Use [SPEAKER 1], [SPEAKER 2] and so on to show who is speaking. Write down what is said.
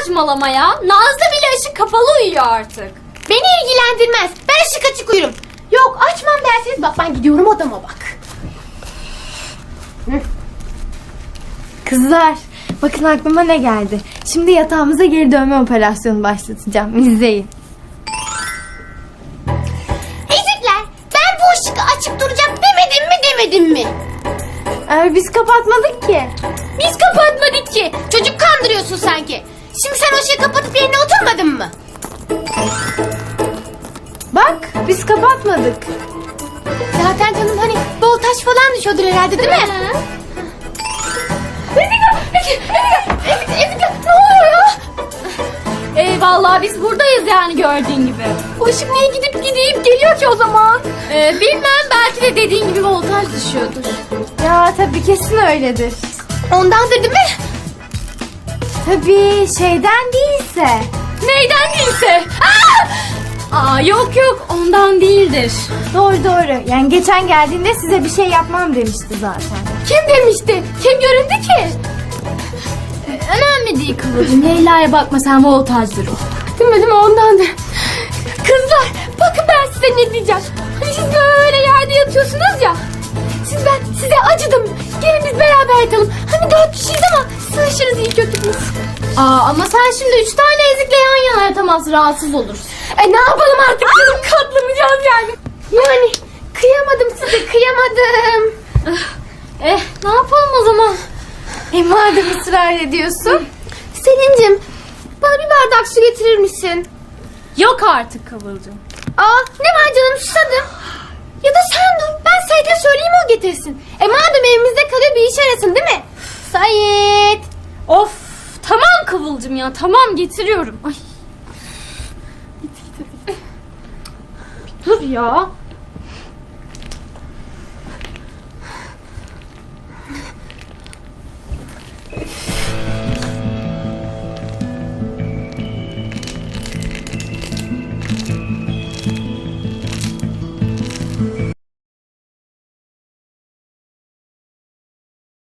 [SPEAKER 1] saçmalama ya. Nazlı bile ışık kapalı uyuyor artık.
[SPEAKER 2] Beni ilgilendirmez. Ben ışık açık uyurum. Yok açmam derseniz bak ben gidiyorum odama bak.
[SPEAKER 3] Kızlar, bakın aklıma ne geldi. Şimdi yatağımıza geri dönme operasyonu başlatacağım. İzleyin.
[SPEAKER 2] Ezikler, ben bu ışık açık duracak demedim mi?
[SPEAKER 3] Biz kapatmadık ki.
[SPEAKER 2] Biz kapatmadık ki. Çocuk kandırıyorsun sanki. Şimdi sen o ışığı kapatıp yerine oturmadın mı?
[SPEAKER 3] Bak, biz kapatmadık.
[SPEAKER 2] Zaten canım hani voltaj falan düşüyordur herhalde değil mi? Ezikler, ne oluyor ya?
[SPEAKER 1] Vallahi biz buradayız yani gördüğün gibi.
[SPEAKER 2] O ışık niye gidip geliyor ki o zaman?
[SPEAKER 1] Bilmem, belki de dediğin gibi voltaj düşüyordur.
[SPEAKER 3] Ya tabii kesin öyledir.
[SPEAKER 2] Ondandır değil mi?
[SPEAKER 3] Tabii şeyden değilse.
[SPEAKER 1] Neyden değilse. Yok ondan değildir.
[SPEAKER 3] Doğru. Yani geçen geldiğinde size bir şey yapmam demişti zaten.
[SPEAKER 2] Kim demişti? Kim göründü ki?
[SPEAKER 1] Önemli değil Kıvılcım. Leyla'ya bakma, sen voltajdır o.
[SPEAKER 2] Değil mi ondandır. Kızlar bakın ben size ne diyeceğim. Hani siz böyle yerde yatıyorsunuz ya. Ben size acıdım. Gelin biz beraber yatalım. Hani 4 kişiyiz ama sığışırız iyi kötü biz.
[SPEAKER 1] Ama sen şimdi 3 tane ezikle yan yana yatamazsın, rahatsız olursun.
[SPEAKER 2] Ne yapalım artık canım, katlanacağız yani. Yani kıyamadım size, kıyamadım.
[SPEAKER 1] Ne yapalım o zaman?
[SPEAKER 3] Madem ısrar ediyorsun.
[SPEAKER 2] Selin'cim bana bir bardak su getirir misin?
[SPEAKER 1] Yok artık Kıvılcım.
[SPEAKER 2] Ne var canım, susadım. Ya da sen dur, ben Sait'e söyleyeyim o getirsin. Madem evimizde kalıyor bir iş arasın değil mi? Sait.
[SPEAKER 1] Of, tamam Kıvılcım ya, tamam getiriyorum. Ay.
[SPEAKER 2] Dur ya.